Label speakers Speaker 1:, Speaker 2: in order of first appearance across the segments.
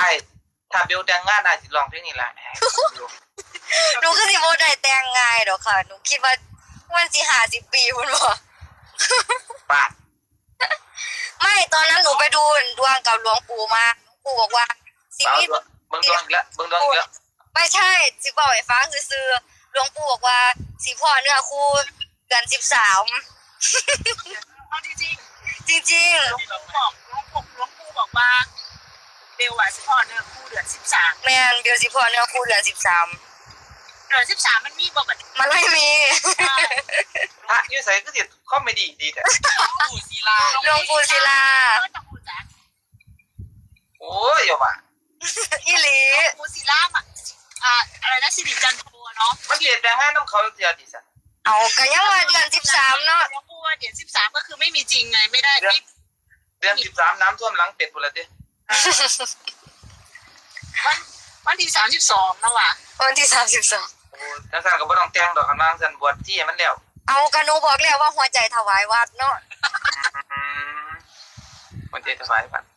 Speaker 1: อ้ถ้าเบลแต่งงานไอ้สิร้องเพลงนี้แหละ
Speaker 2: หนูก็สิบ่ได้แต่งง่ายดอกค่ะหนูคิดว่ามันสิ50 ปีพุ่นบ่
Speaker 1: ป้า
Speaker 2: ไม่ตอนนั้นหนูไปดูดวงกับหลวงปู่มาหลวงปู่บอกว่าชีวิต
Speaker 1: เบิ่งดวงอีกแล้วเบิ่งดวงอีกแล้ว
Speaker 2: ไม่ใช่สิบอกให้ฟังซื่อๆหลวงปู่บอกว่าสิพ่อเนื้อคู่เดือน13
Speaker 3: เอาจริง
Speaker 2: จริง
Speaker 3: ๆหลวงปู่บอกว่าเบลว่าสิพ่อเนื้อคู่เดือน13
Speaker 2: ๆแม่นเดี๋ยวสิพ่อเนื้อคู่เดือน13
Speaker 3: เดือน13มันมีบ่บัด
Speaker 2: มันไม่มี
Speaker 1: พระอยู่ไสก็สิคอมเมดี้ดีแท้
Speaker 3: ปู่ศิลา
Speaker 2: หลวงปู่ศิลา
Speaker 1: โอ้ยอย่าว่า
Speaker 2: อีหลี
Speaker 3: ปู่ศิลาอะไรนะสิริจันโทเนาะ
Speaker 1: มันเรียนแต่ห้าน้ำเขาเสียดิซะ
Speaker 2: เอาก็ยังว่าเดือน13เนาะ
Speaker 3: หลวงปู่ว่าเดือน13ก็คือไม่มีจริงไงไม่ได้ไม่
Speaker 1: เดือน13น้ำท่วมหลังเป็ดพุ่นละติ
Speaker 3: วันที่32แล้วว่ะ
Speaker 2: วันที่32
Speaker 1: โอ้จังซั่นก็บ่ต้องแต่งดอกคันว่าซั่นบวชที่ให้มันแล้ว
Speaker 2: เอากะหนูบอกแล้วว่าหัวใจถวายวัดเนาะ
Speaker 1: มันจะถวายพัน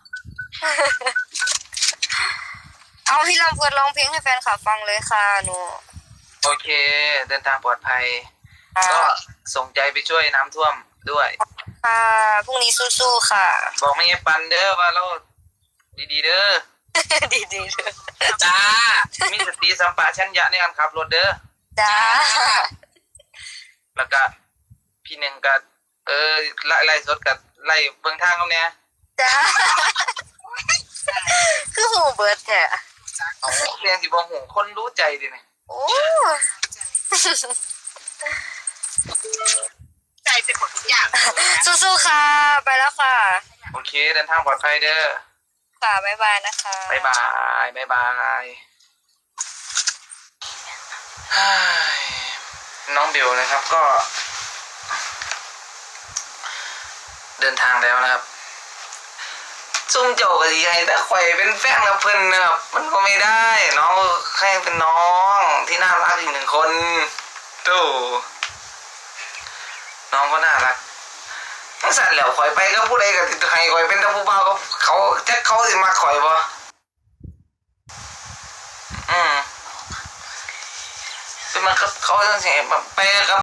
Speaker 2: เอาพี่ลำเพิดร้องเพลงให้แฟนคลับฟังเลยค่ะหนู
Speaker 1: โอเค เดินทางปลอดภัยก็ส่งใจไปช่วยน้ำท่วมด้วย
Speaker 2: ค่ะพรุ่งนี้สู้ๆค่ะ
Speaker 1: บอกไม่ให้ปันเด้อว่าเราดีๆเด้อ
Speaker 2: ดีๆเลย
Speaker 1: จ้ามีสติสัมปชัญญะในการขับรถเด้อ
Speaker 2: จ้า
Speaker 1: แล้วก็พี่หนึ่งก็ไล่สดกับไล่เบื้องทางเขาเนี่ย
Speaker 2: จ้าคือหูเบิร์ดแท้
Speaker 1: เอาเรียนสิบหูคนรู้ใจดิเนี่ย
Speaker 2: โอ้
Speaker 3: ใจเป็นหมดทุกอย่าง
Speaker 2: สู้ๆค่ะไปแล้วค่ะ
Speaker 1: โอเคเดินทางปลอดภัยเด้อ
Speaker 2: ค่ะบ๊ายบายนะคะ
Speaker 1: บ๊ายบายบ๊ายบายฮ่ายน้องเบลนะครับก็ เดินทางแล้วนะครับซุ่มโจกสิให้แต่ข่อยเป็นแฟนกับเพิ่นนะครับมันก็ไม่ได้น้องแค่เป็นน้องที่น่ารักอีกหนึ่งคนตู้น้องก็น่ารักทั้งสั่นแล้วข่อยไปก็ผู้ใดก็ติดให้ข่อยเป็นแต่ผู้บ่าวก็เขาแจ็คเขาสิมาข่อยบ่เป็นมันก็เขาจังสิไปกับ